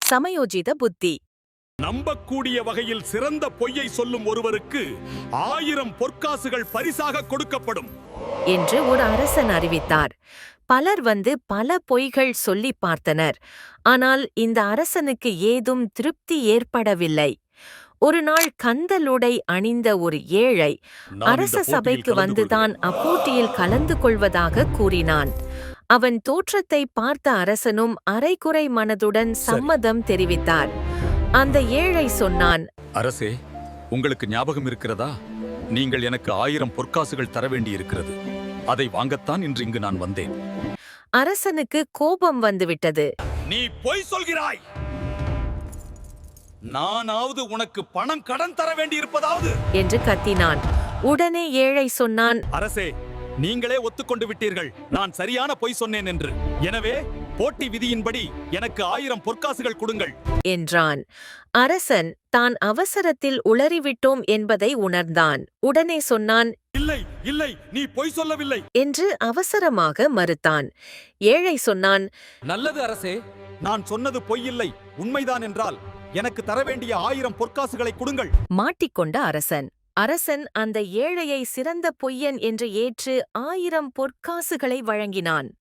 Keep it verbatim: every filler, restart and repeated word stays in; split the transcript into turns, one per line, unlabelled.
சமயோஜித புத்தி.
நம்பக்கூடிய வகையில் சிறந்த பொய்யை சொல்லும் ஒருவருக்கு ஆயிரம் பொற்காசுகள் பரிசாக கொடுக்கப்படும்
என்று ஒரு அரசன் அறிவித்தார். பலர் வந்து பல பொய்கள் சொல்லி பார்த்தனர். ஆனால் இந்த அரசனுக்கு ஏதும் திருப்தி ஏற்படவில்லை. ஒரு நாள் கந்தலுடை அணிந்த ஒரு ஏழை அரச சபைக்கு வந்துதான் அப்போட்டியில் கலந்து கொள்வதாக கூறினான். அவன் தோற்றத்தை பார்த்த அரசனும் அரைகுறை மனதுடன் சம்மதம் தெரிவித்தார். அந்த ஏழை சொன்னான்,
அரசே, உங்களுக்கு ஞாபகம் இருக்கிறதா? நீங்கள் எனக்கு ஆயிரம் பொற்காசுகள் தர வேண்டியிருக்கிறது. அதை வாங்கத்தான் இன்று இங்கு நான் வந்தேன்.
அரசனுக்கு கோபம் வந்துவிட்டது.
நீ பொய் சொல்கிறாய். நானாவது உனக்கு பணம் கடன் தர வேண்டியிருப்பதாவது
என்று கத்தினான். உடனே ஏழை சொன்னான்,
அரசே, நீங்களே ஒத்துக்கொண்டு விட்டீர்கள் நான் சரியான பொய் சொன்னேன் என்று. எனவே போட்டி விதியின்படி எனக்கு ஆயிரம் பொற்காசுகள் கொடுங்கள்
என்றான். அரசன் தான் அவசரத்தில் உளறிவிட்டோம் என்பதை உணர்ந்தான். உடனே சொன்னான்,
இல்லை இல்லை, நீ பொய் சொல்லவில்லை
என்று அவசரமாக மறுத்தான். ஏழை சொன்னான்,
நல்லது அரசே, நான் சொன்னது பொய் இல்லை, உண்மைதான் என்றால் எனக்கு தர வேண்டிய ஆயிரம் பொற்காசுகளை கொடுங்கள்.
மாட்டிக்கொண்ட அரசன் அரசன் அந்த ஏழையை சிறந்த பொய்யன் என்று ஏற்று ஆயிரம் பொற்காசுகளை வழங்கினான்.